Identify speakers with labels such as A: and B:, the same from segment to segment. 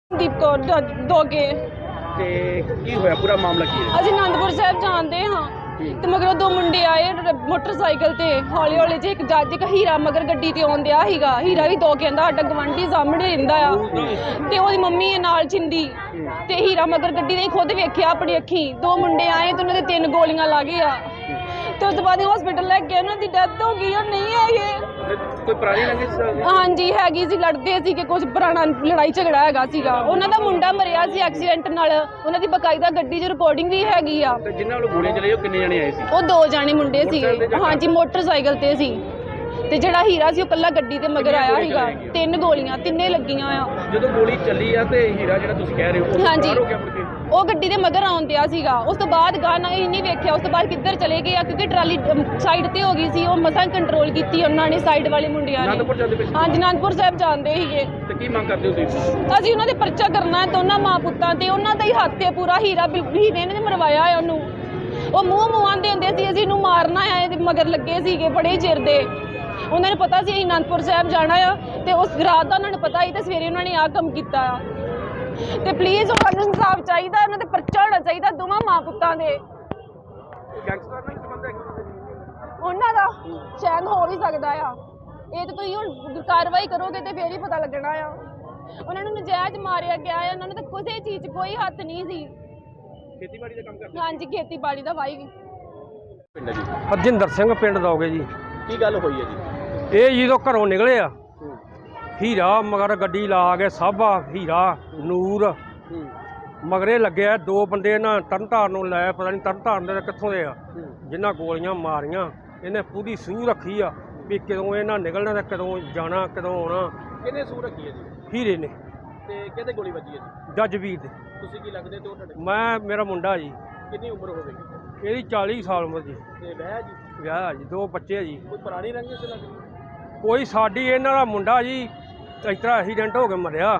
A: ਦੀਪ ਕੌਰ ਦੋਗੇ
B: ਤੇ ਕੀ ਹੋਇਆ ਪੂਰਾ ਮਾਮਲਾ ਕੀ ਹੈ?
A: ਅਸੀਂ ਆਨੰਦਪੁਰ ਸਾਹਿਬ ਜਾਂਦੇ ਹਾਂ ਤੇ ਮਗਰੋਂ ਦੋ ਮੁੰਡੇ ਆਏ ਮੋਟਰਸਾਈਕਲ ਤੇ ਹੌਲੀ ਹੌਲੀ ਜੇ ਇੱਕ ਜੱਜ ਇੱਕ ਹੀਰਾ ਮਗਰ ਗੱਡੀ ਤੇ ਆਉਂਦਿਆ ਸੀਗਾ। ਹੀਰਾ ਵੀ ਦੋ ਕਹਿੰਦਾ ਸਾਡਾ ਗਵਾਂਢੀ ਸਾਹਮਣੇ ਰਹਿੰਦਾ ਆ ਤੇ ਉਹਦੀ ਮੰਮੀ ਹੈ ਨਾਲ ਚਿੰਦੀ ਤੇ ਹੀਰਾ ਮਗਰ ਗੱਡੀ ਨੇ ਖੁਦ ਵੇਖਿਆ ਆਪਣੀ ਅੱਖੀਂ। ਦੋ ਮੁੰਡੇ ਆਏ ਤੇ ਉਹਨਾਂ ਦੇ 3 ਗੋਲੀਆਂ ਲੱਗ ਗਈਆਂ ਤੇ ਉਸ ਤੋਂ ਬਾਅਦ ਹਸਪੀਟਲ ਲੈ ਕੇ ਉਹਨਾਂ ਦੀ ਡੈਥ ਹੋ ਗਈ। ਉਹ ਨਹੀਂ ਹੈਗੇ।
B: ਕੋਈ ਪੁਰਾਣੀ ਰੰਜਿਸ਼?
A: ਹਾਂਜੀ ਹੈਗੀ ਸੀ, ਲੜਦੇ ਸੀ ਕਿ ਕੁਝ ਪੁਰਾਣਾ ਲੜਾਈ ਝਗੜਾ ਹੈਗਾ ਸੀਗਾ। ਉਹਨਾਂ ਦਾ ਮੁੰਡਾ ਮਰਿਆ ਸੀ ਐਕਸੀਡੈਂਟ ਨਾਲ। ਉਹਨਾਂ ਦੀ ਬਕਾਇਦਾ ਗੱਡੀ 'ਚ ਰਿਕਾਰਡਿੰਗ ਵੀ ਹੈਗੀ ਆ।
B: ਤੇ ਜਿਨ੍ਹਾਂ ਨੂੰ ਗੋਲੀਆਂ ਚਲਾਈ ਉਹ ਕਿੰਨੇ ਜਣੇ ਆਏ ਸੀ?
A: ਉਹ 2 ਜਾਣੇ ਮੁੰਡੇ ਸੀਗੇ। ਹਾਂਜੀ ਮੋਟਰਸਾਈਕਲ ਤੇ ਸੀ ਤੇ ਜਿਹੜਾ ਹੀਰਾ ਸੀ ਉਹ ਕੱਲਾ ਗੱਡੀ ਤੇ ਮਗਰ ਆਇਆ ਸੀਗਾ। 3 ਗੋਲੀਆਂ ਤਿੰਨੇ ਲੱਗੀਆਂ ਆ।
B: ਜਦੋਂ ਗੋਲੀ ਚੱਲੀ ਆ ਤੇ ਹੀਰਾ ਜਿਹੜਾ ਤੁਸੀਂ ਕਹਿ ਰਹੇ ਹੋ ਉਹ
A: ਹਾਂਜੀ
B: ਬਾਹਰ ਹੋ ਗਿਆ ਮੁੜ ਕੇ?
A: ਉਹ ਗੱਡੀ ਦੇ ਮਗਰ ਆਉਂਦਿਆ ਸੀਗਾ। ਉਸ ਤੋਂ ਬਾਅਦ ਗਾਣਾ ਹੀ ਨਹੀਂ ਵੇਖਿਆ। ਉਸ ਤੋਂ ਬਾਅਦ ਕਿੱਧਰ ਚਲੇ ਗਏ ਆ ਕਿਉਂਕਿ ਟਰਾਲੀ ਸਾਈਡ ਤੇ ਹੋ ਗਈ ਸੀ। ਉਹ ਮਸਾਂ ਕੰਟਰੋਲ ਕੀਤੀ ਉਹਨਾਂ ਨੇ ਸਾਈਡ ਵਾਲੇ ਮੁੰਡਿਆਂ ਨੇ।
B: ਆਨੰਦਪੁਰ ਜਾਂਦੇ ਪਏ ਸੀ?
A: ਹਾਂਜੀ ਆਨੰਦਪੁਰ ਸਾਹਿਬ ਜਾਂਦੇ ਸੀਗੇ।
B: ਤੇ ਕੀ ਮੰਗ ਕਰਦੇ ਹੋ ਤੁਸੀਂ?
A: ਅਸੀਂ ਉਹਨਾਂ ਦੇ ਪਰਚਾ ਕਰਨਾ ਹੈ ਦੋਨਾਂ ਮਾਂ ਪੁੱਤਾਂ ਤੇ। ਉਹਨਾਂ ਦਾ ਹੀ ਹੱਥ ਹੈ ਪੂਰਾ। ਹੀਰੇ ਨੇ ਮਰਵਾਇਆ ਹੈ ਉਹਨੂੰ। ਉਹ ਮੂੰਹ ਆਂਦੇ ਹੁੰਦੇ ਸੀ ਅਸੀਂ ਇਹਨੂੰ ਮਾਰਨਾ ਹੈ। ਇਹਦੇ ਮਗਰ ਲੱਗੇ ਸੀਗੇ ਬੜੇ ਚਿਰ ਦੇ। ਉਹਨਾਂ ਨੂੰ ਪਤਾ ਸੀ ਅਸੀਂ ਆਨੰਦਪੁਰ ਸਾਹਿਬ ਜਾਣਾ ਆ ਤੇ ਉਸ ਰਾਤ ਦਾ ਉਹਨਾਂ ਨੂੰ ਪਤਾ ਸੀ ਤੇ ਸਵੇਰੇ ਉਹਨਾਂ ਨੇ ਆਹ ਕੰਮ ਕੀਤਾ ਆ। ਤੇ ਪਲੀਜ਼ ਉਹਨਾਂ ਨੂੰ ਇਨਸਾਫ ਚਾਹੀਦਾ। ਉਹਨਾਂ ਤੇ ਪਰਚਾ ਹੋਣਾ ਚਾਹੀਦਾ ਦੋਵਾਂ ਮਾਂ ਪੁੱਤਾਂ ਦੇ।
B: ਗੈਂਗਸਟਰ ਨਾਲ ਸੰਬੰਧ ਹੈ
A: ਉਹਨਾਂ ਦਾ ਸ਼ਾਇਦ ਹੋ ਵੀ ਸਕਦਾ ਆ। ਇਹ ਤਾਂ ਤੁਸੀਂ ਹੁਣ ਕਾਰਵਾਈ ਕਰੋਗੇ ਤੇ ਫੇਰ ਹੀ ਪਤਾ ਲੱਗਣਾ ਆ। ਉਹਨਾਂ ਨੂੰ ਨਜਾਇਜ਼ ਮਾਰਿਆ ਗਿਆ ਹੈ। ਉਹਨਾਂ ਨੂੰ ਤਾਂ ਕਿਸੇ ਚੀਜ਼ 'ਚ ਕੋਈ ਹੱਥ ਨਹੀਂ ਸੀ।
B: ਖੇਤੀਬਾੜੀ ਦਾ ਕੰਮ ਕਰਦੇ?
A: ਹਾਂਜੀ ਖੇਤੀਬਾੜੀ ਦਾ ਵਾਈ।
B: ਪਿੰਡ ਜੀ
C: ਹਰਜਿੰਦਰ ਸਿੰਘ ਪਿੰਡ ਦੋਗੇ ਜੀ।
B: ਕੀ ਗੱਲ ਹੋਈ ਹੈ ਜੀ?
C: ਇਹ ਜਦੋਂ ਘਰੋਂ ਨਿਕਲੇ ਆ ਹੀਰਾ ਮਗਰ ਗੱਡੀ ਲਾ ਕੇ ਸਾਬਾ ਹੀਰਾ ਨੂਰ ਮਗਰੇ ਲੱਗਿਆ। 2 ਬੰਦੇ ਨਾ ਤਰਨਤਾਰਨ ਨੂੰ ਲੈ ਪਤਾ ਨਹੀਂ ਤਰਨਤਾਰਨ ਦੇ ਕਿੱਥੋਂ ਦੇ ਆ ਜਿਨ੍ਹਾਂ ਗੋਲੀਆਂ ਮਾਰੀਆਂ। ਇਹਨੇ ਪੂਰੀ ਸੂਹ ਰੱਖੀ ਆ ਵੀ ਕਦੋਂ ਇਹਨਾਂ ਨਿਕਲਣਾ ਤੇ ਕਦੋਂ ਜਾਣਾ ਕਦੋਂ ਆਉਣਾ।
B: ਕਿਹਨੇ ਸੂਹ ਰੱਖੀ ਹੈ ਜੀ?
C: ਹੀਰੇ ਨੇ।
B: ਤੇ ਕਿਹਦੇ ਗੋਲੀ ਵੱਜੀ ਹੈ ਜੀ?
C: ਜੱਜ ਵੀਰ ਦੇ।
B: ਤੁਸੀਂ ਕੀ ਲੱਗਦੇ ਤੇ ਉਹ ਤੁਹਾਡੇ?
C: ਮੇਰਾ ਮੁੰਡਾ ਜੀ।
B: ਕਿੰਨੀ ਉਮਰ ਹੋਵੇਗੀ?
C: ਇਹਦੀ 40 ਸਾਲ ਉਮਰ ਜੀ।
B: ਤੇ ਵਿਆਹ ਜੀ?
C: ਵਿਆਹ ਜੀ 2 ਬੱਚੇ ਜੀ।
B: ਕੋਈ ਪੁਰਾਣੀ ਰੰਜਿਸ਼ ਲੱਗਦੀ?
C: ਕੋਈ ਸਾਡੀ ਇਹਨਾਂ ਦਾ ਮੁੰਡਾ ਜੀ ਇਸ ਤਰ੍ਹਾਂ ਐਕਸੀਡੈਂਟ ਹੋ ਕੇ ਮਰਿਆ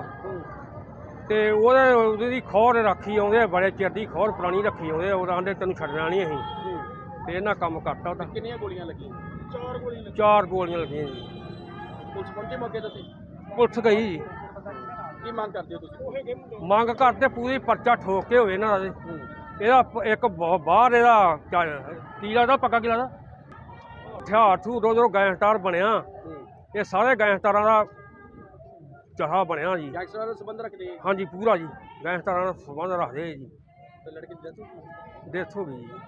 C: ਤੇ ਉਹਦੀ ਖੌਰ ਰੱਖੀ ਆਉਂਦੇ ਬੜੇ ਚਿਰ ਦੀ ਖੌਰ ਪੁਰਾਣੀ ਰੱਖੀ ਆਉਂਦੇ। ਉਹ ਆਂਦੇ ਤੈਨੂੰ ਛੱਡਣਾ ਨਹੀਂ ਅਸੀਂ ਤੇ ਇਹਨਾਂ ਕੰਮ ਕਰਤਾ ਉਹਦਾ।
B: ਕਿੰਨੀਆਂ ਗੋਲੀਆਂ ਲੱਗੀਆਂ? 4 ਗੋਲੀਆਂ ਲੱਗੀਆਂ।
C: 4 ਗੋਲੀਆਂ ਲੱਗੀਆਂ ਜੀ।
B: ਪੁਲਿਸ ਪਹੁੰਚੇ ਮੌਕੇ ਤੇ?
C: ਪੁਲਿਸ ਗਈ ਜੀ।
B: ਕੀ ਮੰਗ ਕਰਦੇ ਹੋ ਤੁਸੀਂ?
C: ਮੰਗ ਕਰਦੇ ਪੂਰੀ ਪਰਚਾ ਠੋਕ ਕੇ ਹੋਵੇ ਇਹਨਾਂ ਦਾ। ਇਹਦਾ ਇੱਕ ਬਾਹਰ ਇਹਦਾ ਕੀ ਲੱਗਦਾ ਪੱਕਾ ਕੀ ਲੱਗਦਾ ਹਥਿਆਰ ਥੂ ਉਦੋਂ ਗੈਂਗਸਟਰ ਬਣਿਆ। ਇਹ ਸਾਰੇ ਗੈਂਗਸਟਰਾਂ ਦਾ ਚਾਹਾ ਬਣਿਆ ਜੀ।
B: ਗੈਂਗਸਟਰਾਂ ਨਾਲ ਸੰਬੰਧ ਰੱਖਦੇ?
C: ਹਾਂਜੀ ਪੂਰਾ ਜੀ ਗੈਂਗਸਟਰਾਂ ਨਾਲ ਸੰਬੰਧ ਰੱਖਦੇ ਜੀ।
B: ਤੇ ਲੜਕੇ ਦੀ
C: ਡੈਥ ਹੋ ਗਈ ਜੀ।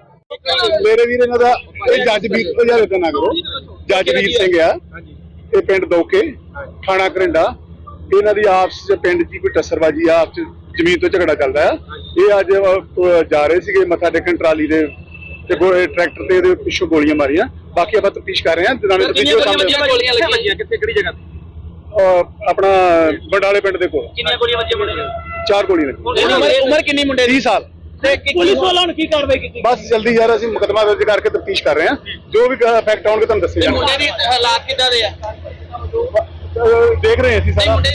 D: ਮੇਰੇ ਵੀਰ ਇਹਨਾਂ ਦਾ ਇਹ ਜੱਜ ਵੀਰ ਤੋਂ ਯਾਰ ਇਦਾਂ ਨਾ ਕਰੋ। ਜੱਜ ਵੀਰ ਸਿੰਘ ਆ ਇਹ ਪਿੰਡ ਦੋਕੇ ਥਾਣਾ ਕਰਿੰਡਾ। ਇਹਨਾਂ ਦੀ ਆਪਸ ਚ ਪਿੰਡ ਦੀ ਕੋਈ ਟੱਸਰਬਾਜੀ ਆਪਸ ਚ ਜ਼ਮੀਨ ਤੋਂ ਝਗੜਾ ਚੱਲਦਾ ਆ। ਇਹ ਅੱਜ ਜਾ ਰਹੇ ਸੀਗੇ ਮੱਥਾ ਟੇਕਣ ਟਰਾਲੀ ਦੇ ਤੇ ਟਰੈਕਟਰ ਤੇ ਇਹਦੇ ਪਿੱਛੋਂ ਗੋਲੀਆਂ ਮਾਰੀਆਂ। ਬਾਕੀ ਆਪਾਂ ਤਫਤੀਸ਼ ਕਰ ਰਹੇ ਹਾਂ।
B: ਗੋਲੀਆਂ ਲੱਗੀਆਂ ਕਿੱਥੇ ਕਿਹੜੀ ਜਗ੍ਹਾ ਤੇ?
D: ਆਪਣਾ ਬੰਡਾਲੇ ਪਿੰਡ ਦੇ ਕੋਲ।
B: ਕਿੰਨੀਆਂ ਗੋਲੀਆਂ ਵੱਜੀਆਂ?
D: 4 ਗੋਲੀਆਂ ਲੱਗੀਆਂ।
B: ਉਮਰ ਕਿੰਨੀ ਮੁੰਡੇ ਦੀ?
D: 30 ਸਾਲ।
B: ਤੇ ਪੁਲਿਸ ਵਾਲਿਆਂ ਨੇ ਕੀ ਕਾਰਵਾਈ ਕੀਤੀ?
D: ਬਸ ਜਲਦੀ ਯਾਰ ਅਸੀਂ ਮੁਕੱਦਮਾ ਦਰਜ ਕਰਕੇ ਤਫਤੀਸ਼ ਕਰ ਰਹੇ ਹਾਂ। ਜੋ ਵੀ ਫੈਕਟ ਆਉਣਗੇ ਤੁਹਾਨੂੰ ਦੱਸੇ ਜਾਣਗੇ।
B: ਮੁੰਡੇ ਦੀ ਹਾਲਾਤ ਕਿੱਦਾਂ ਦੇ ਆ?
D: ਦੇਖ ਰਹੇ ਹਾਂ ਅਸੀਂ ਸਾਰਾ।